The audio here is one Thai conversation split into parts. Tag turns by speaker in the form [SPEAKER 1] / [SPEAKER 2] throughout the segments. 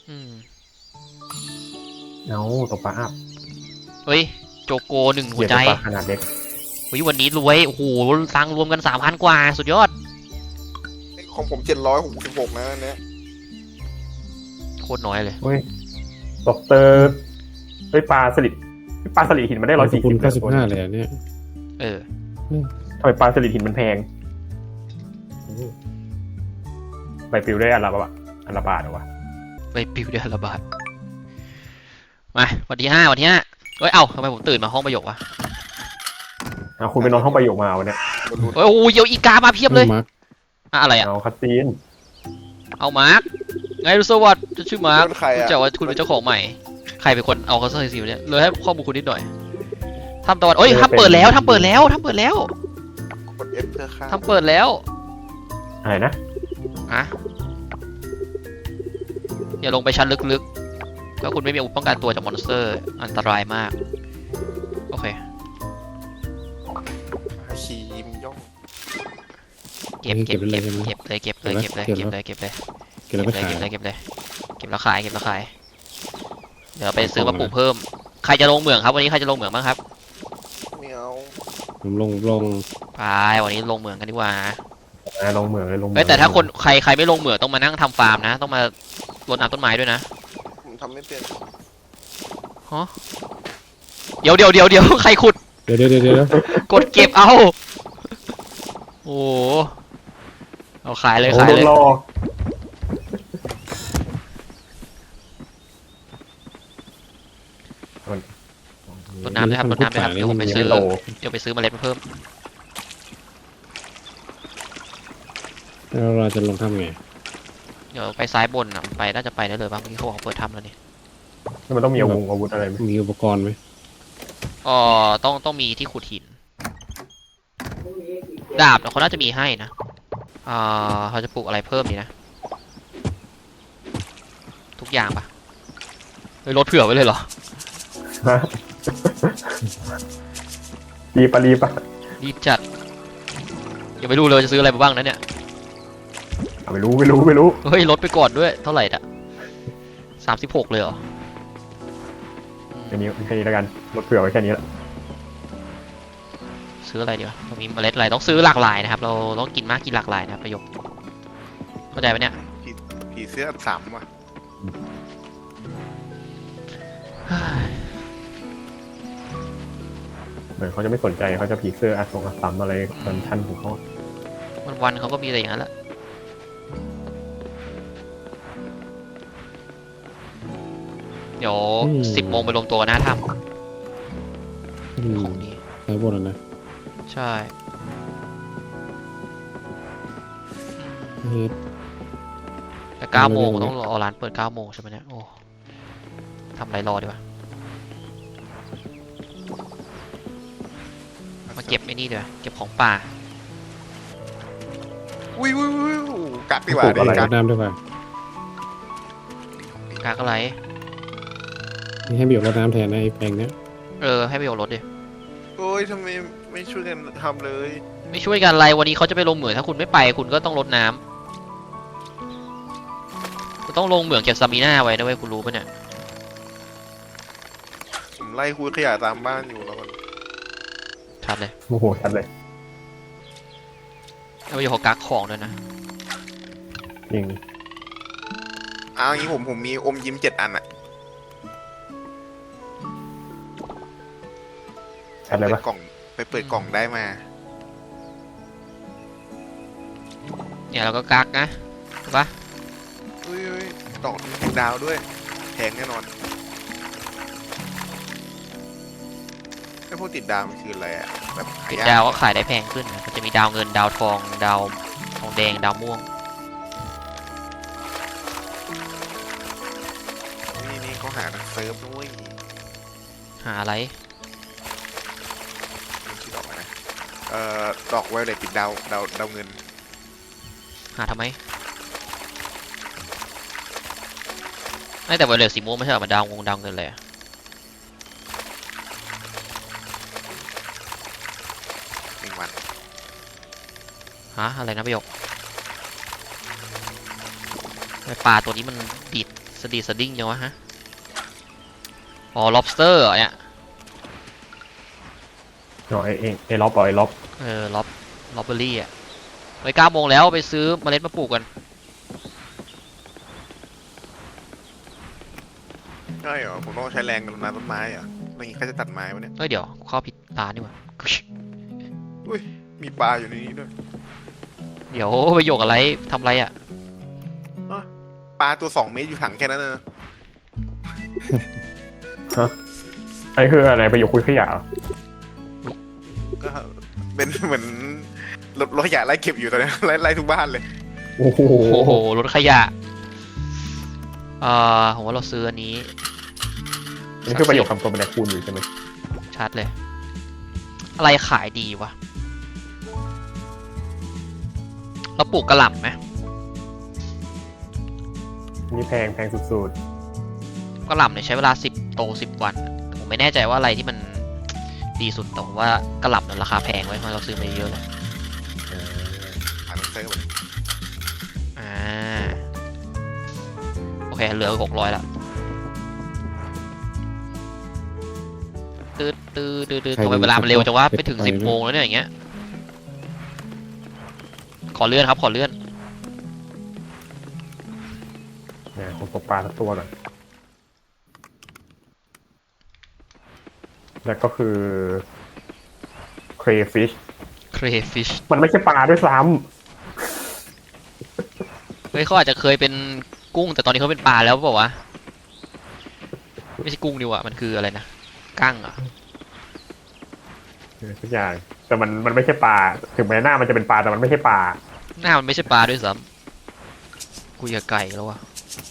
[SPEAKER 1] อืม
[SPEAKER 2] เอาตกปลาอัพ
[SPEAKER 1] เฮ้ยโจโก1 หัวใจ
[SPEAKER 2] ตกปลาขนาดเล็ก
[SPEAKER 1] เฮ้ยวันนี้รวยโอ้โหตังค์รวมกัน3,000 กว่าสุดยอด
[SPEAKER 3] ของผม766นะเนี่ย
[SPEAKER 1] โคตรน้อยเลย
[SPEAKER 2] เฮ้ยตกเตอร์เฮ้ยปลาสลิดปลาสลิดหินมันได้140
[SPEAKER 4] 95เลยเนี่ย
[SPEAKER 1] เออ
[SPEAKER 2] ทำไมปลาสลิดหินมันแพงใบปลิวได้อันละบาทเหรอวะ
[SPEAKER 1] ไปปิวเดือนละบาทมาวันที่5เฮ้ยเอ้าทำไมผมตื่นมาห้องประโยควะ
[SPEAKER 2] คุณไปนอนห้องประโยคมาวันเนี้ย
[SPEAKER 1] เฮ้ยโอ้โหเดี๋ยวอีกามาเพียบเลยอะไรอ่ะ
[SPEAKER 2] เอาคัตซีน
[SPEAKER 1] เอามาร์กไงรู้สวัสดิ์จะชื่อมาร์ก
[SPEAKER 3] ใคร
[SPEAKER 1] คุณ
[SPEAKER 3] อะ
[SPEAKER 1] จะว่าคุณเป็นเจ้าของใหม่ใครเป็นคนเอาเขาใส่สีเนี่ยเลยให้ข้อมูลคุณนิดหน่อยทำตะวันเอ้ยทำเปิดแล้ว
[SPEAKER 3] กด F เพื่อฆ่า
[SPEAKER 1] ทำเปิดแล้ว
[SPEAKER 2] อะไรนะ
[SPEAKER 1] อะอย่าลงไปชั้นลึกๆถ้าคุณไม่มีอาวุธป้องกันตัวจากมอนสเตอร์อันตรายมากโอเค
[SPEAKER 3] ขีมย่อง
[SPEAKER 1] เก็บเลยเก็บเลยเก็บแล้วขายเดี๋ยวไปซื้อมาปลูกเพิ่มใครจะลงเหมืองครับวันนี้ใครจะลงเหมืองบ้างครับ
[SPEAKER 3] ไม่เอา
[SPEAKER 4] ผมลง
[SPEAKER 1] ไปวันนี้ลงเหมืองกันดีกว่า
[SPEAKER 2] ลงเหมืองเลยลงเหมื
[SPEAKER 1] เอ้ยแต่ถ้าคนใครไม่ลงเหมืองต้องมานั่งทำฟาร์มนะต้องมารดน้ำต้นไม้ด้วยนะ
[SPEAKER 3] ผมทำไม่เป็น
[SPEAKER 1] ฮะเดี๋ยวใครขุด
[SPEAKER 4] เดี๋ยว
[SPEAKER 1] กดเก็บเอาโอ้เอาขายเลย
[SPEAKER 2] โดนรอ
[SPEAKER 1] รดน้ำด้วยครับเดี๋ยวผมไปซื้อเมล็ดมาเพิ่ม
[SPEAKER 4] แล้วเราจะลงทำไง
[SPEAKER 1] เดี๋ยวไปซ้ายบนอ่ะไปน่าจะไปได้เลยป่ะเมื่อกี้เขาบอกเขาเปิดถ้ำแล้วนี่
[SPEAKER 2] มันต้องมีอาวุธอะไรไหม
[SPEAKER 4] มีอุปกรณ์ไหม
[SPEAKER 1] อ๋อต้องมีที่ขุดหินดาบเขาน่าจะมีให้นะเขาจะปลูกอะไรเพิ่มดีนะทุกอย่างปะเฮ้ยลดเผื่อไว้เลยเหรอ
[SPEAKER 2] รีบ
[SPEAKER 1] รีบจัดยังไม่รู้เลยจะซื้ออะไรมาบ้างนะเนี่ย
[SPEAKER 2] ไม่รู้
[SPEAKER 1] เฮ้ยลดไปก่อนด้วยเท่าไหร่อะ36เลยเหรอ
[SPEAKER 2] แค่นี้แล้วกันลดเผื่อไว้แค่นี้แหละ
[SPEAKER 1] ซื้ออะไรดีวะมีเมล็ดอะไรต้องซื้อหลากหลายนะครับเราต้องกินมากกินหลากหลายนะครับประโยคเข้าใจไหมเนี่ย
[SPEAKER 3] ผีเสื้อ3ว่ะ
[SPEAKER 2] เหมือนเขาจะไม่สนใจเขาจะผีเสื้ออัดซ้ำอะไรคอนชั่นของเขา
[SPEAKER 1] วันเขาก็มีอะไรอย่างนั้นแหละเดี๋ยว10 โมงไปรวมตัวหน้าถ้ำของดี
[SPEAKER 4] ใช้บนนะ
[SPEAKER 1] ใช่แต่9 โมงต้องรอร้านเปิด9 โมงใช่ไหมเนี่ยโอ้ทำอะไรรอดีวะมาเก็บไอ้นี่ดีกว่าเก็บของป่า
[SPEAKER 3] อุ้ยกักดีกว่าดิกัก
[SPEAKER 4] น้ำด้วยป่ะ
[SPEAKER 1] กากอะไร
[SPEAKER 4] ให้ประโยชน์รดน้ำแทนนะไอ้แปลงเนี้ย
[SPEAKER 1] ให้ประโยชน์รถดิ
[SPEAKER 3] โอ้ยทำไมไม่ช่วยกันทำเลย
[SPEAKER 1] ไม่ช่วยกันอะไรวันนี้เขาจะไปลงเหมืองถ้าคุณไม่ไปคุณก็ต้องรดน้ำคุณต้องลงเหมืองเก็บซามีน่าไว้นะเว้ยคุณรู้ปะเนี่ย
[SPEAKER 3] ผมไล่คุยขยะตามบ้านอยู่แล้วมัน
[SPEAKER 1] ชัดเลย
[SPEAKER 2] โอ้โหชัดเลย
[SPEAKER 1] แล้วประโยชน์เขากักของด้วยนะ
[SPEAKER 2] จริง
[SPEAKER 3] อย่างนี้ผมมีอมยิ้ม7 อันอะ
[SPEAKER 2] ชัดเลยปะ
[SPEAKER 3] ไปเปิดกล่องได้มา
[SPEAKER 1] เนี่ยเราก็กักนะใช่ปะ
[SPEAKER 3] อุ้ยดอกดาวด้วยแพงแน่นอนไอ้พวกติดดาวมันคืออะไรอะแบบ
[SPEAKER 1] ติดดาวก็ขายได้แพงขึ้นนะมันจะมีดาวเงินดาวทองดาวทองแดงดาวม่วง
[SPEAKER 3] นี่เขาหาเซิร์ฟด้วย
[SPEAKER 1] หาอะไร
[SPEAKER 3] ดอกอะไรดอกไวโอเลตติดดาวเงิน
[SPEAKER 1] หาทำไมไม่แต่ไวโอเลตสีม่วงไม่ใช่หรอมันดาวเงินเลย
[SPEAKER 3] 1 วัน
[SPEAKER 1] อะไรนะประโยคปลาตัวนี้มันดีดสดีสดิ้งยังวะฮะอ๋อ lobster เหรอเนี่ย
[SPEAKER 2] เนาะไอ้ล็อบไอ้ล็อบ
[SPEAKER 1] lobbery อ่ะไป9 โมงแล้วไปซื้อเมล็ดมาปลูกกัน
[SPEAKER 3] ใช่เหรอผมต้องใช้แรงรดน้ำต้นไม้เหรอไม่งี้ใครจะตัดไม้วะเนี่ย
[SPEAKER 1] เฮ้ยเดี๋ยวเข้าผิดตานี่หว่า
[SPEAKER 3] อุ้ยมีปลาอยู่ในนี้ด้วย
[SPEAKER 1] เดี๋ยวไปโยกอะไรทำอะไรอ่ะ
[SPEAKER 3] ปลาตัว2 เมตรอยู่ถังแค่นั้นนะ
[SPEAKER 2] ไอ้คืออะไรประโยคคุยขยะ
[SPEAKER 3] ก็เป็นเหมือนรถขยะไล่เก็บอยู่ตอนนี้ ไล่ทุกบ้านเลย
[SPEAKER 2] โอ้โห
[SPEAKER 1] โอ้โหรถขยะผมว่าเราซื้ออันนี้
[SPEAKER 2] นี่คือประโยคคำตัวเป็นคูณอยู่ใช่ไหม
[SPEAKER 1] ชัดเลย อะไรขายดีวะเราปลูกกระหล่ำไหม
[SPEAKER 2] นี่แพงสุด
[SPEAKER 1] กระหล่ำเนี่ยใช้เวลาโต 10 วันผมไม่แน่ใจว่าอะไรที่มันดีสุดแต่ผมว่ากระหล่ำเนี่ยราคาแพงไว้เพราะเราซื้อมาเยอะเลย
[SPEAKER 3] หาหนังสือหมด
[SPEAKER 1] โอเคเหลือ600ละตื้อทำไมเวลามันเร็วจังวะไปถึง10 โมงแล้วเนี่ยอย่างเงี้ยขอเลื่อนครับขอเลื่อน
[SPEAKER 2] เนี่ยผมตกปลาสักตัวก่อนแล้วก็คือ crayfish
[SPEAKER 1] crayfish
[SPEAKER 2] มันไม่ใช่ปลาด้วยซ้
[SPEAKER 1] เฮ้ยเขาอาจจะเคยเป็นกุ้งแต่ตอนนี้เขาเป็นปลาแล้วเปล่าวะไม่ใช่กุ้งดีกว่ามันคืออะไรนะกั้งเหรอ่ะ
[SPEAKER 2] ำทุกอย่างแต่มันไม่ใช่ปลาถึงแม้หน้ามันจะเป็นปลาแต่มันไม่ใช่ปลา
[SPEAKER 1] หน้ามันไม่ใช่ปลาด้วยซ้ำกูอยากไก่แล้ววะ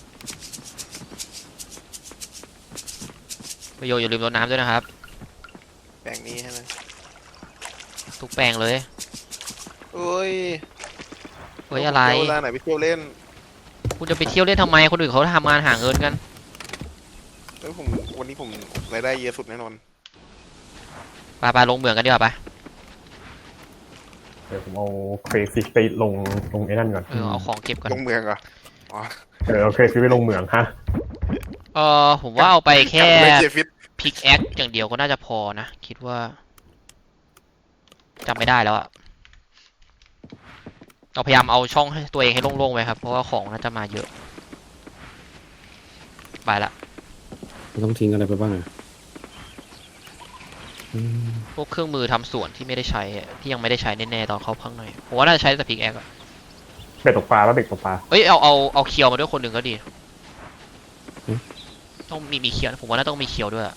[SPEAKER 1] ประโยชน์อย่าลืมรดน้ำด้วยนะครับ
[SPEAKER 3] แปลงนี้ใช่ไหม
[SPEAKER 1] ทุกแปลงเลย
[SPEAKER 3] โอ้ย
[SPEAKER 1] เฮ้ยอะไร
[SPEAKER 3] เวลาไหนไปเที่ยวเล่น
[SPEAKER 1] คุณจะไปเที่ยวเล่นทำไมคนอื่นเขาทำงานหาเงินกัน
[SPEAKER 3] แล้ววันนี้ผมรายได้เยอะสุดแน่นอน
[SPEAKER 1] ไปลงเหมืองกันดีกว่าไป
[SPEAKER 2] เดี๋ยวผมเอา crayfish ไปลงไอ้นั่นก่อน
[SPEAKER 1] เอาของเก็บก่อน
[SPEAKER 3] ลงเมืองเหรออ๋อ
[SPEAKER 2] เอา crayfish ไปลงเหมืองฮะ
[SPEAKER 1] ผมว่าเอาไปแค่
[SPEAKER 3] ไม่เจฟิต
[SPEAKER 1] พิกแอคอย่างเดียวก็น่าจะพอนะคิดว่าจำไม่ได้แล้วอะเราพยายามเอาช่องให้ตัวเองให้โล่งๆไว้ครับเพราะว่าของน่าจะมาเยอะไปละ
[SPEAKER 4] เราต้องทิ้งอะไรไปบ้างอ่ะอืม
[SPEAKER 1] พวกเครื่องมือทำสวนที่ไม่ได้ใช้อะที่ยังไม่ได้ใช้แน่ๆตอนเข้าข้างในผมว่าน่าจะใช้แต่พิกแอคอะ
[SPEAKER 2] เบ็ดตกปลาแล้วเบ็ดตกปลา
[SPEAKER 1] เอ้ยเอาเคียวมาด้วยคนหนึ่งก็ดีต้องมีเคียวผมว่าน่าต้องมีเคียวด้วยอะ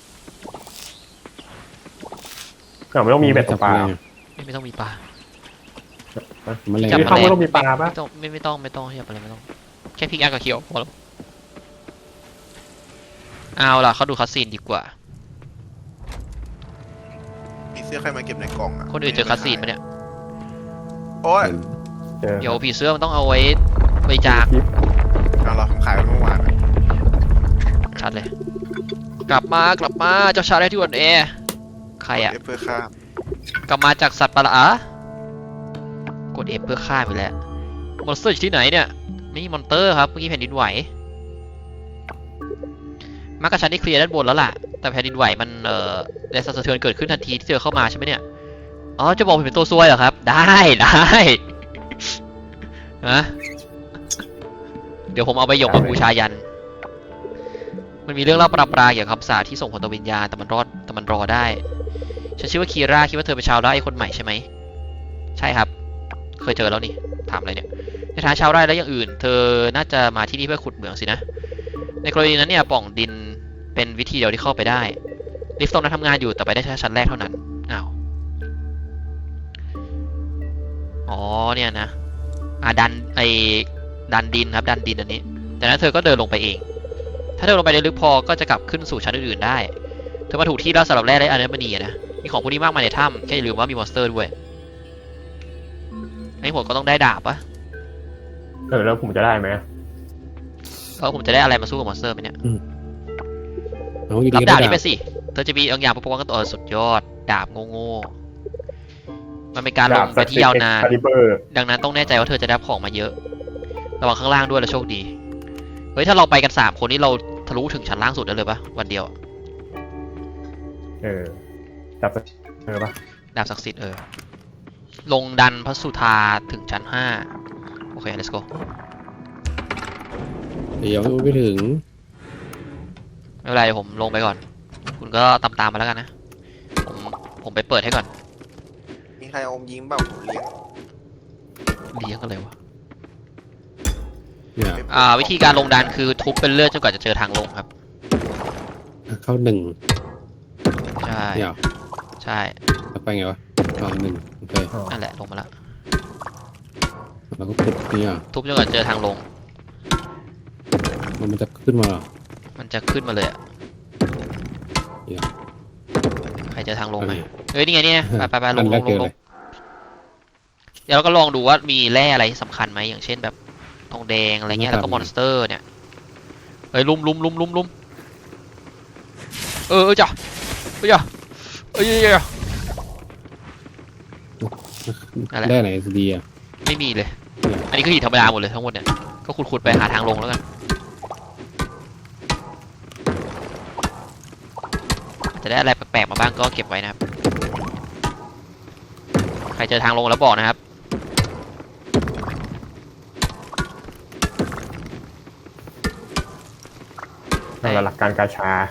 [SPEAKER 2] ไม่ต้องมีเบ็ดตกปลา
[SPEAKER 1] ไม่ต้องมีปลา
[SPEAKER 4] แมลง
[SPEAKER 1] จับ
[SPEAKER 2] ที่
[SPEAKER 1] แม
[SPEAKER 2] เขา
[SPEAKER 1] ล
[SPEAKER 2] ไม่
[SPEAKER 1] ง
[SPEAKER 2] ต้องมีปลาปะ
[SPEAKER 1] ไม่ต้องอย่าไปเลยไม่ต้องแค่พิกแอคกับเคียวพอแล้วเอาล่ะเขาดูคัสซีนดีกว่า
[SPEAKER 3] มีเสื้อใครมาเก็บในกล่องอ่ะ
[SPEAKER 1] คนอื่นเจอคัสซีนปะเนี่ย
[SPEAKER 3] โอ้ย
[SPEAKER 2] เจอ
[SPEAKER 1] เดี๋ยวผีเสื้อมันต้องเอาไว้บริจาค
[SPEAKER 3] เอาเหรอผมขายไปเมื่อวานอะ
[SPEAKER 1] ชัดเลย กลับมาเจ้าชายได้ที่อ่อนแอใครอะ
[SPEAKER 3] เพื่อฆ่าก
[SPEAKER 1] ลับมาจากสัตว์ประหลาดกด F เพื่อฆ่าไปแล้วมอนสเตอร์อยู่ที่ไหนเนี่ยนี่มอนเตอร์ครับเมื่อกี้แผ่นดินไหวมักกะชันได้เคลียร์ด้านบนแล้วล่ะแต่แผ่นดินไหวมันแรงสั่นสะเทือนเกิดขึ้นทันทีที่เจอเข้ามาใช่ไหมเนี่ยอ๋อจะบอกผมเป็นตัวซวยเหรอครับได้ฮะเดี๋ยวผมเอาไปหยกมาบูชายันมันมีเรื่องเล่าประปรายเกี่ยวกับคำสาปที่ส่งผลต่อวิญญาณแต่มันรอได้ฉันชื่อว่าคีราคิดว่าเธอเป็นชาวไร่คนใหม่ใช่ไหมใช่ครับเคยเจอแล้วนี่ถามอะไรเนี่ยในฐานะชาวไร่และอย่างอื่นเธอน่าจะมาที่นี่เพื่อขุดเหมืองสินะในกรณีนั้นเนี่ยปล่องดินเป็นวิธีเดียวที่เข้าไปได้ลิฟต์ตรงนั้นทำงานอยู่แต่ไปได้แค่ชั้นแรกเท่านั้นอ้าวอ๋อเนี่ยนะดันดินครับดันดินอันนี้แต่นั้นเธอก็เดินลงไปเองถ้าเดินลงไปได้ลึกพอก็จะกลับขึ้นสู่ชั้นอื่นๆได้เธอมาถูกที่แล้วสำหรับแร่และอัญมณีนะมีของพวกนี้มากมายในถ้ำแค่อย่าลืมว่ามีมอนสเตอร์ด้วยไอ้ผมก็ต้องได้ดาบปะ
[SPEAKER 2] แล้วผมจะได้ไหม
[SPEAKER 1] ผมจะได้อะไรมาสู้กับมอนสเตอร์ไหมเนี่ย
[SPEAKER 4] เอาอยู่
[SPEAKER 1] รั
[SPEAKER 4] ดี
[SPEAKER 1] บ
[SPEAKER 4] ก็
[SPEAKER 1] ดาบ
[SPEAKER 4] ได้
[SPEAKER 1] นี้
[SPEAKER 4] ดา
[SPEAKER 1] ไป
[SPEAKER 4] บ
[SPEAKER 1] สิเธอจะมีบางอย่างป้องกันตัวสุดยอดดาบโง่ๆมันเป็นการลงไปที่ยาวนาน
[SPEAKER 2] คาลิเบอร์
[SPEAKER 1] ดังนั้นต้องแน่ใจว่าเธอจะได้ของมาเยอะระวังข้างล่างด้วยและโชคดีเฮ้ยถ้าเราไปกัน3 คนนี่เราทะลุถึงชั้นล่างสุดได้เลยปะวันเดียว
[SPEAKER 2] จับปะ
[SPEAKER 1] ดาบศักดิ์สิทธิ์ลงดันพระสุธาถึงชั้น5โอเค let's go
[SPEAKER 4] เดี๋ยวไม่ถึง
[SPEAKER 1] ไม่เป็นไรผมลงไปก่อน คุณก็ตามมาแล้วกันนะ ผมไปเปิดให้ก่อน
[SPEAKER 3] มีใครเอาอมยิ้มเปล่าผมเลี้ยง
[SPEAKER 1] เลี้ยงอะไรวะ
[SPEAKER 4] เนี่ย
[SPEAKER 1] วิธีการลงดันคือทุบเป็นเลือดจนกว่าจะเจอทางลงครับ
[SPEAKER 4] เข้า1
[SPEAKER 1] ใช่
[SPEAKER 4] เดี๋ยว
[SPEAKER 1] ใช่
[SPEAKER 4] แล้วไปไงวะเข้า1โอเค
[SPEAKER 1] นั่นแหละลงมาแล้ว
[SPEAKER 4] แล้วก็ปุ๊บเนี่ย
[SPEAKER 1] ทุบจนกว่าเจอทางลง
[SPEAKER 4] มันจะขึ้นมาเหรอ
[SPEAKER 1] มันจะขึ้นมาเลยอะ
[SPEAKER 4] เดี๋ยว
[SPEAKER 1] ใครเจอทางลงไหม
[SPEAKER 4] อะไร
[SPEAKER 1] เฮ้ยนี่ไงเนี่ยไปล
[SPEAKER 4] อั
[SPEAKER 1] ง
[SPEAKER 4] น
[SPEAKER 1] ล
[SPEAKER 4] แรก
[SPEAKER 1] ง
[SPEAKER 4] เจ
[SPEAKER 1] ล
[SPEAKER 4] อง
[SPEAKER 1] ล
[SPEAKER 4] เล
[SPEAKER 1] ง
[SPEAKER 4] ย
[SPEAKER 1] เดี๋ยวเราก็ลองดูว่ามีแร่อะไรสำคัญไหมอย่างเช่นแบบทองแดงอะไรเงี้ย
[SPEAKER 4] ไม่
[SPEAKER 1] แล้วก็
[SPEAKER 4] ทำ
[SPEAKER 1] มอนสเตอร์เนี่ยเฮ้ยลุมจ้ะจ้ะนั่นแหละ
[SPEAKER 4] แร่ไหนดีอ่ะ
[SPEAKER 1] ไม่มีเลย
[SPEAKER 4] เนี่ย
[SPEAKER 1] อันนี้คือหินธรรมดาหมดเลยทั้งหมดเนี่ยก็ขุดไปหาทางลงแล้วกันอาจจะได้อะไรแปลกๆมาบ้างก็เก็บไว้นะครับใครเจอทางลงแล้วบอกนะครับ
[SPEAKER 2] หลักการกาชา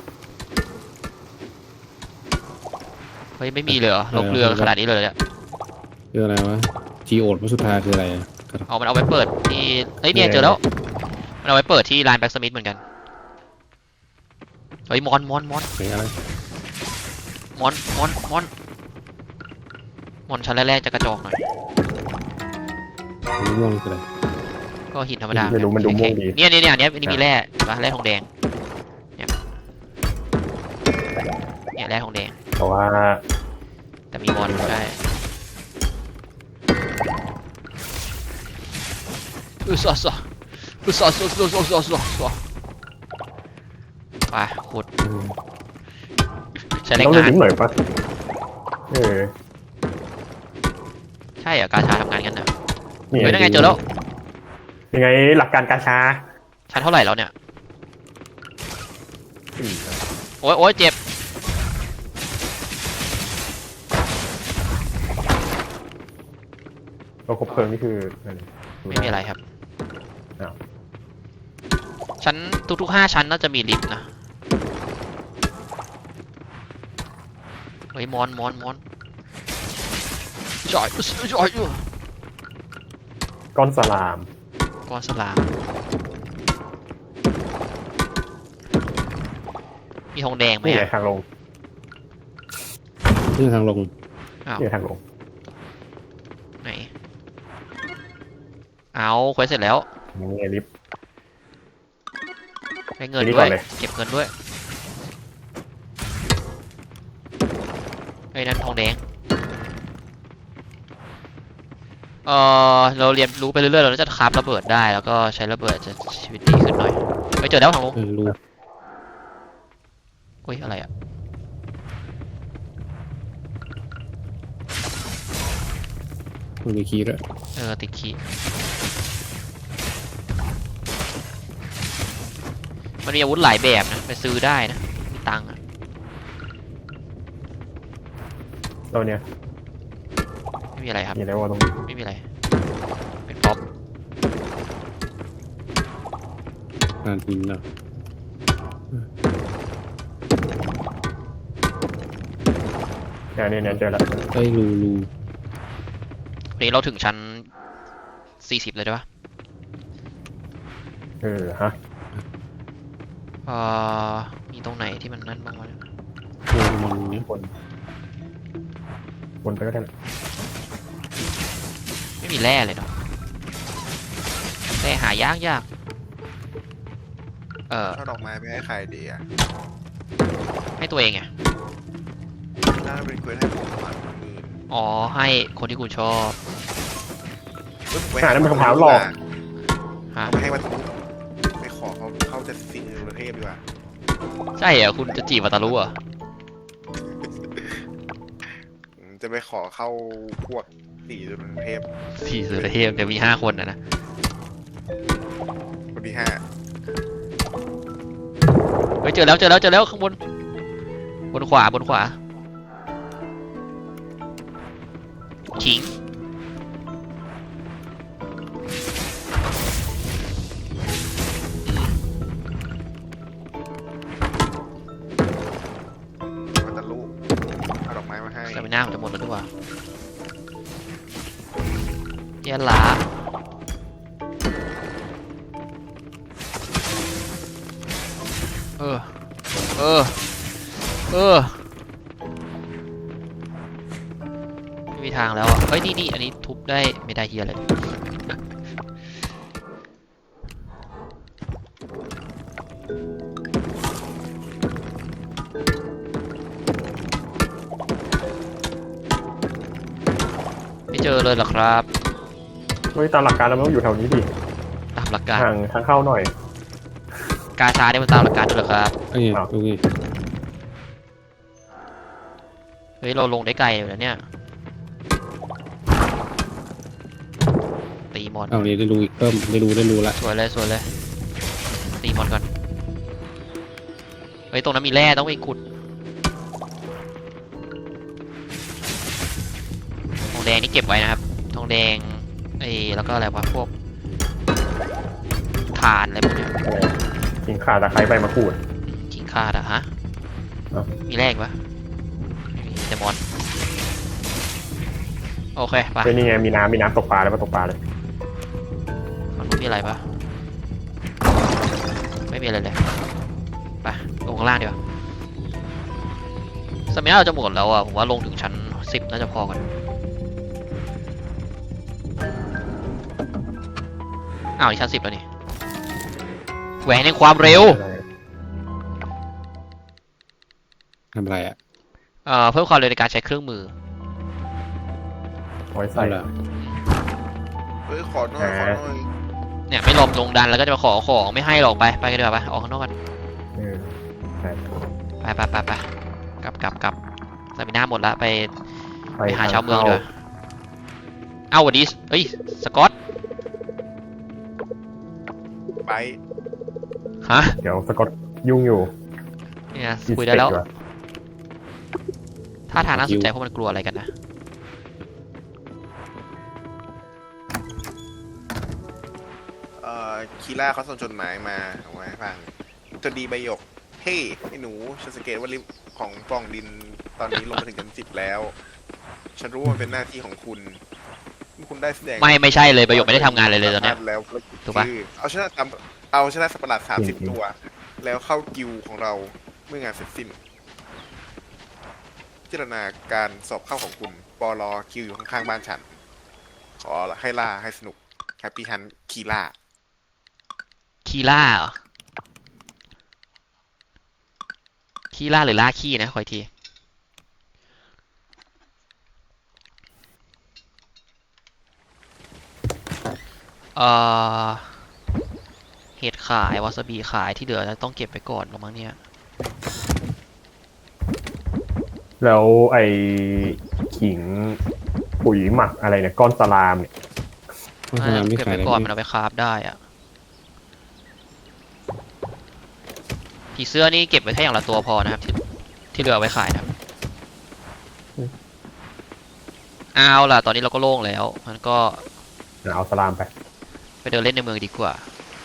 [SPEAKER 1] เฮ้ยไม่มีเลยเหรอลงเรือขนาดนี้เลยเนี่ย
[SPEAKER 4] คืออะไรวะจีโอดพระสุธาคืออะไรอะ
[SPEAKER 1] เอามันเอาไปเปิดที่เฮ้ยเนี่ยเจอแล้วมันเอาไปเปิดที่ร้านแบ็กสมิธเหมือนกันเฮ้ยมอน
[SPEAKER 4] เป็นอะไร
[SPEAKER 1] ชั้นแรกๆจะกระจอกหน่อย
[SPEAKER 4] ม่วงคืออะไร
[SPEAKER 1] ก็หินธรรมดา
[SPEAKER 2] ไม่รู้มันดูม่วงดี
[SPEAKER 1] เนี่ยอันนี้มีแร่เห็นปะแร่ทองแดงเนี่ยแร่ทองแดง
[SPEAKER 2] แต่ว่า
[SPEAKER 1] แต่มีมอนใช่สอไปขุดใช้แรง
[SPEAKER 2] ต้อง
[SPEAKER 1] งาน
[SPEAKER 2] ลิ้นหน่อยปะ
[SPEAKER 1] ใช่เหรอกาชาทำงานกันนะ
[SPEAKER 2] นี่
[SPEAKER 1] เฮ้ยนั่นไงเจอแล้ว
[SPEAKER 2] ยังไงหลักการกาชา
[SPEAKER 1] ชั้นเท่าไหร่แล้วเนี่ยโอ้ยเจ็บ
[SPEAKER 2] เราครบเพลิงนี่คือ
[SPEAKER 1] ไม่มีอะไรครับ
[SPEAKER 2] อ้าว
[SPEAKER 1] ชั้นทุก5 ชั้นน่าจะมีลิฟต์นะเฮ้ยมอนจ่อย
[SPEAKER 2] ก้อนสลาม
[SPEAKER 1] ก้อนสลามมีทองแดงไหม
[SPEAKER 2] นี่ไง
[SPEAKER 1] อ่ะ
[SPEAKER 2] ทางลง
[SPEAKER 4] นี่ทางลง
[SPEAKER 1] อ้าว
[SPEAKER 2] นี่ไงทางลง
[SPEAKER 1] ไหนเอาเควสเสร็จแล้ว
[SPEAKER 2] นี่ไงลิฟต์
[SPEAKER 1] ได้เงิน
[SPEAKER 2] ทีนี้
[SPEAKER 1] ด้ว
[SPEAKER 2] ก่อย นเลย
[SPEAKER 1] เก็บเงินด้วยไอ้นั่นทองแดงเราเรียนรู้ไปเรื่อยๆเราจะคราฟระเบิดได้แล้วก็ใช้ระเบิดจะชีวิตดีขึ้นหน่อยไปเจอแล้วทางลง
[SPEAKER 4] รู้
[SPEAKER 1] อุ้ยอะไรอ่ะ
[SPEAKER 4] มันมีคีย์ด้วย
[SPEAKER 1] ติดคีย์มันมีอาวุธหลายแบบนะไปซื้อได้นะมีตังค์อะ
[SPEAKER 2] เราเนี่ย
[SPEAKER 1] ไม่มีอะไรครับ
[SPEAKER 2] มีอะไรวะตรงนี้
[SPEAKER 1] ไม่มีอะไรเป็นพ็อป
[SPEAKER 4] งานหินเหรอ
[SPEAKER 2] เนี่ยเจอแล้ว
[SPEAKER 4] ไอ้ยรู
[SPEAKER 1] วันนี้เราถึงชั้น40เลยได้ปะ
[SPEAKER 2] ฮะ
[SPEAKER 1] มีตรงไหนที่มันนั่นบ้างวะเนี่ย
[SPEAKER 4] มันเนี่ย
[SPEAKER 2] วนไปก็ได้
[SPEAKER 1] ไม่มีแร่เลยเนาะแร่หายาก
[SPEAKER 3] ถ้าดอกไม้ไม่ให้ใครดีอ่ะ
[SPEAKER 1] ให้ตัวเองไง
[SPEAKER 3] น่าจะเป็นเควสให้ผมประมาณนี้
[SPEAKER 1] อ๋อให้คนที่คุณชอบ
[SPEAKER 2] นั่นเป็นคำถามหลอก
[SPEAKER 1] ฮะ
[SPEAKER 3] เอาไปให้มันไปขอเขาจะสิงห์ประเทศดีกว่า
[SPEAKER 1] ใช่เหรอคุณจะจีบวัตารุเหรอ
[SPEAKER 3] จะไปขอเข้าพวกสีสุรเทพ
[SPEAKER 1] สี่สุดเทพจะมี5 คนนะ
[SPEAKER 3] คนที่5
[SPEAKER 1] เจอแล้วข้างบนขวาขิง
[SPEAKER 3] มันจะรู้เอาดอกไม้มาให้
[SPEAKER 1] สตามิน่าผมจะหมดแล้วด้วยว่ะแย่ละเออไม่มีทางแล้วอ่ะเฮ้ยนี่อันนี้ทุบได้ไม่ได้เฮียเลยไม่เจอเลยเหรอครับ
[SPEAKER 2] เฮ้ยตามหลักการเราต้องอยู่แถวนี้ดิ
[SPEAKER 1] ตามหลักการ
[SPEAKER 2] ห่างทางเข้าหน่อย
[SPEAKER 1] กาชาได้มาตามหลักการด้วยเหรอครับ
[SPEAKER 4] ไอ้เนี่ยตรงนี้
[SPEAKER 1] เฮ้ยเราลงได้ไกลอยู่แล้วเนี่ยตีมอน
[SPEAKER 4] เอาเนี่ยได้รู้อีกเพิ่มได้รู้ละ
[SPEAKER 1] สวยเลยตีมอนก่อนเฮ้ยตรงนั้นมีแร่ต้องไปขุดทองแดงนี่เก็บไว้นะครับทองแดงแล้วก็อะไรวะพวกถ่านอะไรพวกเนี้ย
[SPEAKER 2] กินข่าตะไคร้ใบมะกรูด
[SPEAKER 1] ขิงคาดอะฮะ
[SPEAKER 2] เอ้า
[SPEAKER 1] มีแรกปะไม่มีแต่มอนโอเคไป
[SPEAKER 2] เฮ้ยนี่ไงมีน้ำตกปลาเลยมาตกปลาเลย
[SPEAKER 1] ฝั่งนู้นมีอะไรปะไม่มีอะไรเลยไปลงข้างล่างดีกว่าสมัยเราจะหมดแล้วอ่ะผมว่าลงถึงชั้น10น่าจะพอกันอ้าวอีกชั้น10แล้วนี่แหวนในความเร็ว
[SPEAKER 4] ทำอะไรอ่ะ
[SPEAKER 1] เพิ่มความเร็วในการใช้เครื่องมือ
[SPEAKER 2] เอาไว้ใส่
[SPEAKER 4] เอาละ
[SPEAKER 3] เฮ้ยขอหน่อย
[SPEAKER 1] เนี่ยไม่หลบลงดันแล้วก็จะมาขอของไม่ให้หรอกไปกันดีกว่าไปออกข้างนอกกัน
[SPEAKER 2] เออใช่
[SPEAKER 1] ไปกลับสตามิน่าหมดละไปหาชาวเมืองดีกว่าเอ้าวันนี้เฮ้ยสกอต
[SPEAKER 3] ไป
[SPEAKER 1] ฮะ
[SPEAKER 2] เดี๋ยวสะกดยุ่งอยู่
[SPEAKER 1] เนี่ยคุยได้แล้ว
[SPEAKER 2] อีสเปกเหรอ
[SPEAKER 1] ท่าทางน่าสนใจเพราะมันกลัวอะไรกันนะ
[SPEAKER 3] คีล่าเขาส่งจดหมายมาเอาไว้ให้ฟังจดดีใบหยกเฮ้ยไอ้หนูฉันสังเกตว่าลิฟต์ของปล่องดินตอนนี้ลงมาถึงชั้น10แล้ว ฉันรู้ว่ามันเป็นหน้าที่ของคุณคุณได้แสดง
[SPEAKER 1] ไม่ใช่เลยประโยคไม่ได้ทำงานเลยตอนเนี้ย
[SPEAKER 3] แล้ว
[SPEAKER 1] ถูกปะ
[SPEAKER 3] คือเอาชนะสัตว์ประหลาด30 ตัว แล้วเข้ากิลด์ของเราเมื่องานเสร็จสิ้นพิจารณาการสอบเข้าของคุณปลอคิวอยู่ข้างๆบ้านฉัน ขอให้ล่าให้สนุกแฮปปี้ฮันคีล่า
[SPEAKER 1] คีล่าเหรอคีล่าหรือล่าขี้นะคอยทีเห็ดขายวาซาบิขายที่เหลือต้องเก็บไปก่อนหรอมั้งเนี่ย
[SPEAKER 2] แล้วไอ้ขิงปุ๋ยหมักอะไรเนี่ยก้อนสลามเนี่ย
[SPEAKER 4] เพราะฉะนั้นไม่
[SPEAKER 1] เก็บ
[SPEAKER 4] ขาย
[SPEAKER 1] ไป
[SPEAKER 4] อะไร
[SPEAKER 1] ก่อน
[SPEAKER 4] ไม่
[SPEAKER 1] มันเอาไปคราฟได้อะผีเสื้อนี่เก็บไว้แค่อย่างละตัวพอนะครับที่เหลือเอาไว้ขายนะครับเอาล่ะตอนนี้เราก็โล่งแล้วมันก็
[SPEAKER 2] เอาสลามไป
[SPEAKER 1] ไปเดินเล่นในเมืองดีกว่า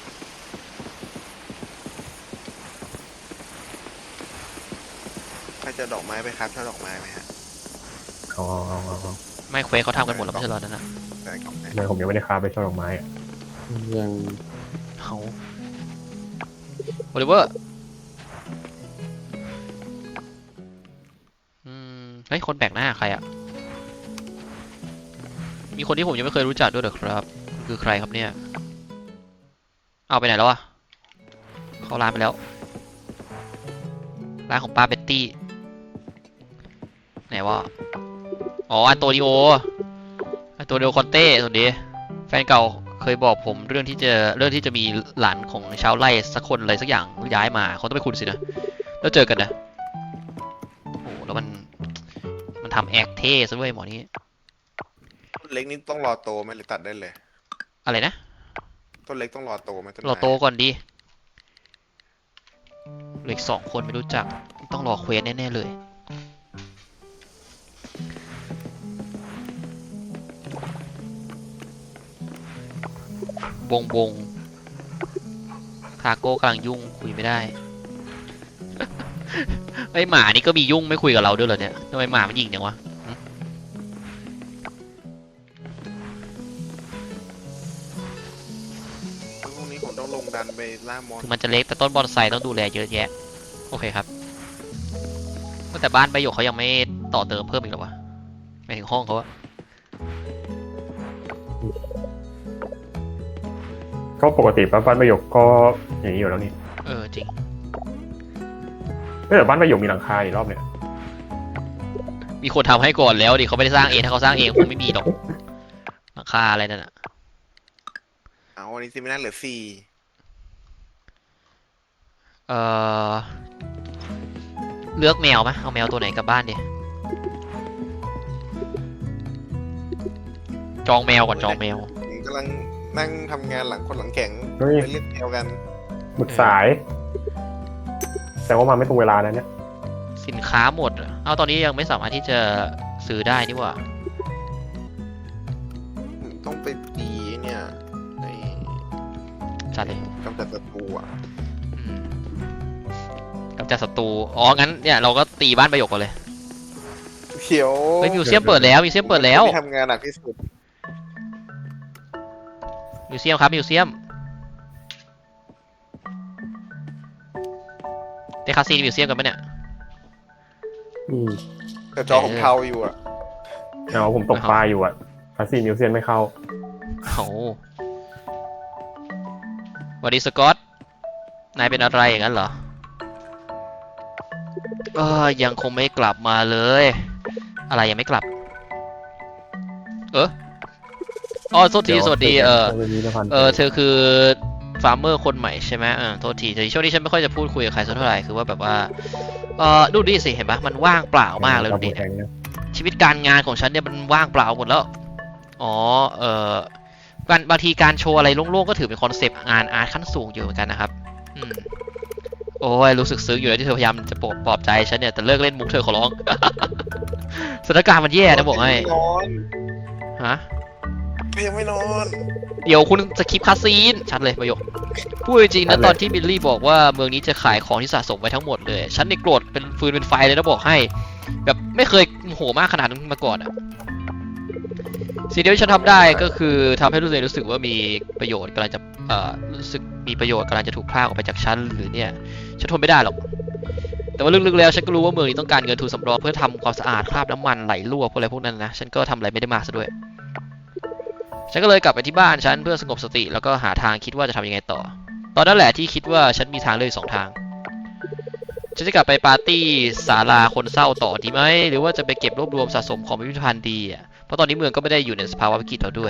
[SPEAKER 3] ใครจะดอกไม้ไปครับถ้าดอกไม้ไหมฮะ
[SPEAKER 2] เอา
[SPEAKER 1] ไม่เควสเขาทำกันหมดแล้วไม่ใช่เหรอนั่นนะ
[SPEAKER 3] ได้กล่องไหน
[SPEAKER 2] ทำไมผมยังไม่ได้คาไปช่อดอกไม้อะ
[SPEAKER 4] ยัง
[SPEAKER 1] เขาโอลิเวอร์เฮ้ยคนแปลกหน้าใครอะมีคนที่ผมยังไม่เคยรู้จักด้วยเหรอครับคือใครครับเนี่ยเอาไปไหนแล้วอะเขาร้านไปแล้วร้านของป้าเบ็ตตี้ไหนวะอ๋ออันโตนิโอคอนเต้สวัสดีแฟนเก่าเคยบอกผมเรื่องที่จะมีหลานของชาวไร่สักคนอะไรสักอย่างย้ายมาเขาต้องไปคุณสินะแล้วเจอกันนะโอ้แล้วมันทำแอคเท่ซะด้วยหมอนี้
[SPEAKER 3] ต้นเล็กนี่ต้องรอโตไหมหรือตัดได้เลย
[SPEAKER 1] อะไรนะ
[SPEAKER 3] ต้นเล็กต้องรอโตไหมต้นไม้
[SPEAKER 1] เราโตก่อนดีเหลืออีก2 คนไม่รู้จักต้องรอเควสแน่ๆเลยบงคาโก้กำลังยุ่งคุยไม่ได้ ไอหมานี่ก็มียุ่งไม่คุยกับเราด้วยเหรอเนี่ยทำไมหมามันหยิ่งจังวะ
[SPEAKER 3] พรุ่งนี้ผมต้องลงดันไปล่ามอน
[SPEAKER 1] ถึงมันจะเล็กแต่ต้นบอนไซต้องดูแลเยอะแยะโอเคครับแต่บ้านประโยคเขายังไม่ต่อเติมเพิ่มอีกหรอวะหมายถึงห้องเขาอะ
[SPEAKER 2] ก็ปกติบ้านประโยคก็อย่างนี้อยู่แล้วนี่
[SPEAKER 1] จริง
[SPEAKER 2] แต่บ้านประโยคมีหลังคาอีกรอบเนี่ย
[SPEAKER 1] มีคนทำให้ก่อนแล้วดิเขาไม่ได้สร้างเองถ้าเขาสร้างเองคงไม่มีหรอกหลังคาอะไรนั่นอะ
[SPEAKER 3] เอาวันนี้ซิมินาเหลือ4
[SPEAKER 1] เอ่อเลือกแมวไหมเอาแมวตัวไหนกลับบ้านดีจองแมวก่อนจองแมว
[SPEAKER 3] ผมกำลังนั่งทำงานหลังคนหลังแข็ง
[SPEAKER 2] เฮ้ย
[SPEAKER 3] ไปเรียกแมวกัน
[SPEAKER 2] หมึกสาย แต่ว่ามาไม่ตรงเวลานะเนี่ย
[SPEAKER 1] สินค้าหมดเหรอเอาตอนนี้ยังไม่สามารถที่จะซื้อได้นี่หว่า
[SPEAKER 3] ผมต้องไปตีเนี่ยไอ้
[SPEAKER 1] จัดเลย
[SPEAKER 3] กำจัดศัตรูอ่ะ
[SPEAKER 1] อืมกำจัดศัตรูอ๋องั้นเนี่ยเราก็ตีบ้านประโยคก่อนเลย
[SPEAKER 3] เดี๋ยว
[SPEAKER 1] เฮ้ยมิวเซียมเปิดแล้วมิวเซียมเปิดแล้ว
[SPEAKER 3] ที่ทำงานหนักที่สุด
[SPEAKER 1] มิวเซียมครับมิวเซียมได้คาซีนมิวเซียมกันไหมเนี่ย
[SPEAKER 4] อืม
[SPEAKER 3] แต่จอผมเทาอยู่อ่ะ
[SPEAKER 2] เอาผมตกปลาอยู่อะคาซีมิวเซียนไม่เข้า
[SPEAKER 1] โอ้สวัสดีสกอตนายเป็นอะไรอย่างนั้นเหรอยังคงไม่กลับมาเลย อะไรยังไม่กลับอ๋อโทษทีสวัสดีเธอคือฟาร์มเมอร์คนใหม่ใช่ไหมโทษทีแต่ช่วงนี้ฉันไม่ค่อยจะพูดคุยกับใครสักเท่าไหร่คือว่าแบบว่าดูดิสิเห็นปะมันว่างเปล่ามากเลยดูดิเนี่ยชีวิตการงานของฉันเนี่ยมันว่างเปล่าหมดแล้วอ๋อบางทีการโชว์อะไรโล่งๆก็ถือเป็นคอนเซปต์งานอาร์ตขั้นสูงอยู่เหมือนกันนะครับโอ้ยรู้สึกซึ้งอยู่เลยที่เธอพยายามจะปลอบใจฉันเนี่ยแต่เลิกเล่นมุกเธอขอร้อง สถานการณ์มันแย่นะบอกให้
[SPEAKER 3] ยังไม่นอน
[SPEAKER 1] ฮะ
[SPEAKER 3] ยังไม่นอน
[SPEAKER 1] เดี๋ยวคุณสคิปคาซีนชัดเลยประโยคพูดจริงๆนะตอนที่บิลลี่บอกว่าเมืองนี้จะขายของที่สะสมไว้ทั้งหมดเลยฉันนี่โกรธเป็นฟืนเป็นไฟเลยนะบอกให้แบบไม่เคยโหมากขนาดนั้นมาก่อนอะสิ่งเดียวที่ฉันทำได้ก็คือทำให้รู้สึกว่ามีประโยชน์กำลังจะรู้สึกมีประโยชน์กำลังจะถูกพรากออกไปจากฉันหรือเนี่ยฉันทนไม่ได้หรอกแต่ว่าลึกๆแล้วฉันก็รู้ว่าเมืองนี้ต้องการเงินทุนสำรองเพื่อทำความสะอาดคราบน้ำมันไหลรั่วพวกอะไรพวกนั้นนะฉันก็ทำอะไรไม่ได้มากซะด้วยฉันก็เลยกลับไปที่บ้านฉันเพื่อสงบสติแล้วก็หาทางคิดว่าจะทำยังไงต่อตอนนั้นแหละที่คิดว่าฉันมีทางเลือก2 ทางฉันจะกลับไปปาร์ตี้ศาลาคนเศร้าต่อดีไหมหรือว่าจะไปเก็บรวบรวมสะสมของพิพิธภัณฑ์ดีอ่ะเพราะตอนนี้เมืองก็ไม่ได้อยู่ในสภาวะวิกฤตแล้วด้วย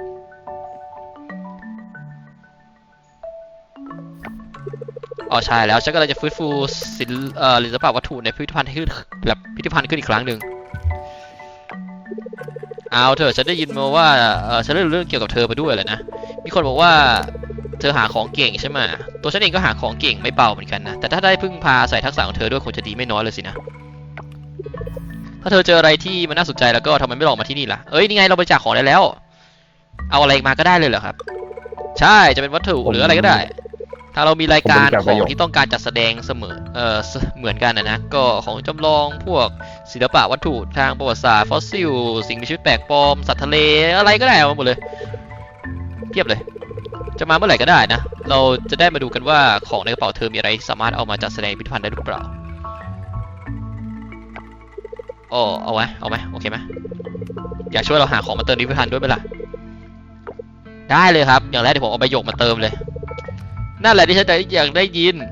[SPEAKER 1] อ๋อใช่แล้วฉันก็เลยจะฟื้นฟูศิลปะวัตถุในพิพิธภัณฑ์ให้ขึ้นแบบพิพิธภัณฑ์ขึ้นอีกครั้งหนึ่งเอาเถอะฉันได้ยินมาว่าฉันได้รู้เรื่องเกี่ยวกับเธอมาด้วยแหละนะมีคนบอกว่าเธอหาของเก่งใช่ไหมตัวฉันเองก็หาของเก่งไม่เบาเหมือนกันนะแต่ถ้าได้พึ่งพาใส่ทักษะของเธอด้วยคงจะดีไม่น้อยเลยสินะถ้าเธอเจออะไรที่มันน่าสนใจแล้วก็ทำไมไม่ลองมาที่นี่ล่ะนี่ไงเราบริจาคของได้แล้วเอาอะไรมาก็ได้เลยเหรอครับใช่จะเป็นวัตถุหรืออะไรก็ได้ถ้าเรามีรายการของที่ต้องการจัดแสดงเสมอเหมือนกันนะก็ของจำลองพวกศิลปะวัตถุทางประวัติศาสตร์ฟอสซิลสิ่งมีชีวิตแปลกปลอมสัตว์ทะเลอะไรก็ได้มาหมดเลยเทียบเลยจะมาเมื่อไหร่ก็ได้นะเราจะได้มาดูกันว่าของในกระเป๋าเธอมีอะไรสามารถเอามาจัดแสดงพิพิธภัณฑ์ได้หรือเปล่าเอาไหมโอเคไหมอยากช่วยเราหาของมาเติมพิพิธภัณฑ์ด้วยไหมล่ะได้เลยครับอย่างแรกเดี๋ยวผมเอาใบหยกมาเติมเลยนั่นแหละที่ฉันอยากได้ยิน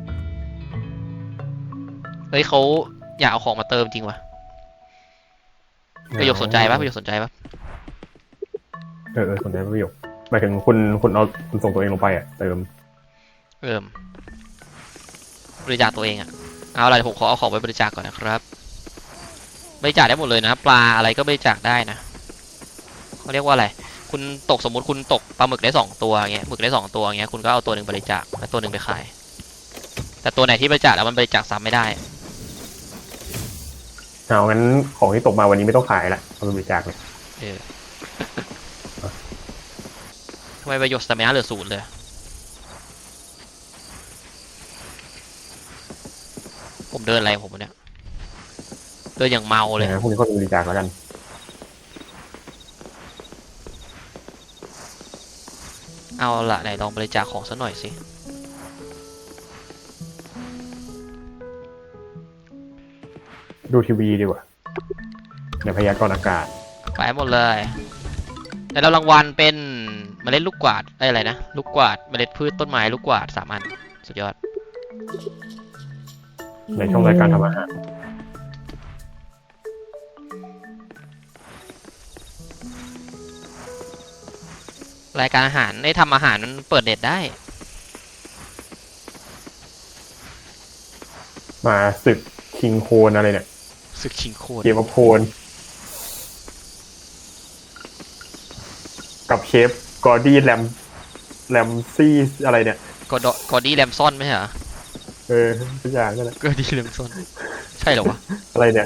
[SPEAKER 1] เขาอยากเอาของมาเติมจริงวะประโยคสนใจปะสนใจปะ
[SPEAKER 2] สนใจประโยคหมายถึงคุณเอาคุณส่งตัวเองลงไปอะเติม
[SPEAKER 1] บริจาคตัวเองอะเอาอะไรผมขอเอาของไปบริจาคก่อนนะครับบริจาคได้หมดเลยนะปลาอะไรก็บริจาคได้นะเขาเรียกว่าอะไรคุณสมมติคุณตกปลาหมึกได้2 ตัวเงี้ยหมึกได้2 ตัวเงี้ยคุณก็เอาตัวหนึ่งบริจาคและตัวหนึ่งไปขายแต่แต่ตัวไหนที่บริจาคแล้วมันบริจาคซ้ำไม่ได้
[SPEAKER 2] เอางั้นของที่ตกมาวันนี้ไม่ต้องขายละเอาไปบริจาคเลย
[SPEAKER 1] เออ ทำไมประโยชน์สตามินาเหลือศูนย์เลย ผมเดินอะไรของผมวะเนี่ย เดินอย่างเมาเลย
[SPEAKER 2] นะพรุ่งนี้ก็ไปบริจาคแล้วกัน
[SPEAKER 1] เอาละไหนลองบริจาคของสักหน่อยสิ
[SPEAKER 2] ดูทีวีดีกว่าเดี๋ยวพยากรณ์อากาศ
[SPEAKER 1] ไปหมดเลยแต่เรารางวัลเป็นเมล็ดลูกกวาดอะไรนะ ลูกกวาด เมล็ดพืชต้นไม้ลูกกวาด3 อัน สุดยอด
[SPEAKER 2] ในช่องรายการทำอาหาร
[SPEAKER 1] รายการอาหารได้ทำอาหารมันเปิดเน็ตได้
[SPEAKER 2] มาศึกคิงโคนอะไรเนี่ย
[SPEAKER 1] ศึกชิงโคตร
[SPEAKER 2] เกมออฟโคน กับเชฟกอร์ดี้แรมซี่อะไรเนี่ย
[SPEAKER 1] กอดี้แรมซอนไม่ใช่เหรอ
[SPEAKER 2] ทุกอย่างนั่นแหละ
[SPEAKER 1] กอดี้แรมซอน ใช่เหรอวะ
[SPEAKER 2] อะไรเนี่ย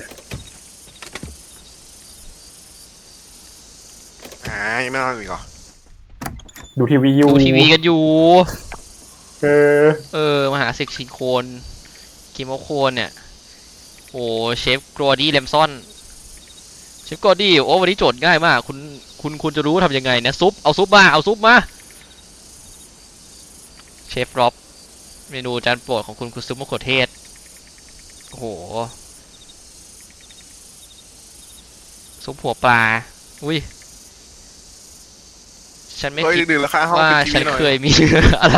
[SPEAKER 3] ยังไม่นอนอีกเหรอ
[SPEAKER 2] ดูทีวีอยู่
[SPEAKER 1] ดูทีวีกันอยู่
[SPEAKER 2] เออ
[SPEAKER 1] มหาศึกชิงโคนเกมออฟโคนเนี่ย โอ้เชฟกอดี้แรมซอน เชฟกอดี้โอ้วันนี้โจทย์ง่ายมาก คุณจะรู้ว่าทำยังไงนะซุป เอาซุปมา เชฟร็อบ เมนูจานโปรดของคุณคือซุปมะเขือเทศ โอ้โห ซุปหัวปลา อุ้ย ฉันไม่
[SPEAKER 3] เฮ้ย
[SPEAKER 1] คิด
[SPEAKER 3] ดึกๆแล้วค่าห้อง
[SPEAKER 1] ว่า
[SPEAKER 3] ปิดที
[SPEAKER 1] ฉัน
[SPEAKER 3] วีหน่อย
[SPEAKER 1] เคยมี อะไร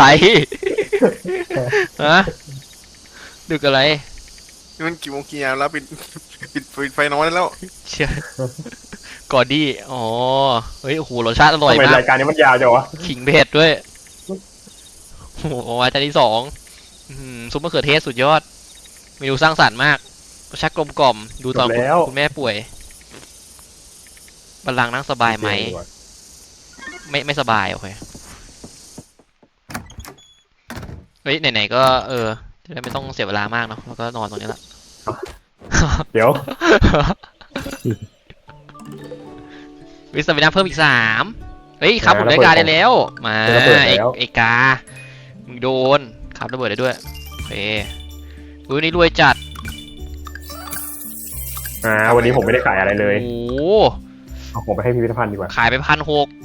[SPEAKER 1] ฮะ ดึกอะไร
[SPEAKER 3] นี่มันกี่โมงกี่ยามแล้วปิดไฟนอนได้แล้ว
[SPEAKER 1] เชื่อ กอดี้อ๋อ เฮ้ย โอ้โห รสชาติอร่อย
[SPEAKER 2] ทำไม
[SPEAKER 1] มาก
[SPEAKER 2] รายการนี้มันยาวจังวะ
[SPEAKER 1] ขิงเผ็ดด้วย โอ้โหมาจานที่2ซุปมะเขือเทศสุดยอด เมนูสร้างสรรค์มากรสชาติกลมกล่อม ดูตอนคุณแม่ป่วย บัลลังก์นั่งสบายไหม ไม่สบาย โอเค เฮ้ย ไหนๆ ก็จะได้ไม่ต้องเสียเวลามากเนาะ แล้วก็นอนตรงนี้ละ
[SPEAKER 2] เดี๋ยว
[SPEAKER 1] วิสตามินาเพิ่มอีก3เฮ้ยครับผมได้การได้แล้ว มา
[SPEAKER 2] ระเบิดแล้ว
[SPEAKER 1] ไอ้กา มึงโดนครับระเบิดได้ด้วย โอเคอุ้ยนี่รวยจัด
[SPEAKER 2] วันนี้ผมไม่ได้ขายอะไรเลย
[SPEAKER 1] โอ้โห
[SPEAKER 2] เอาผมไปให้พิพิธภัณฑ์ดีกว่า
[SPEAKER 1] ขายไป1,600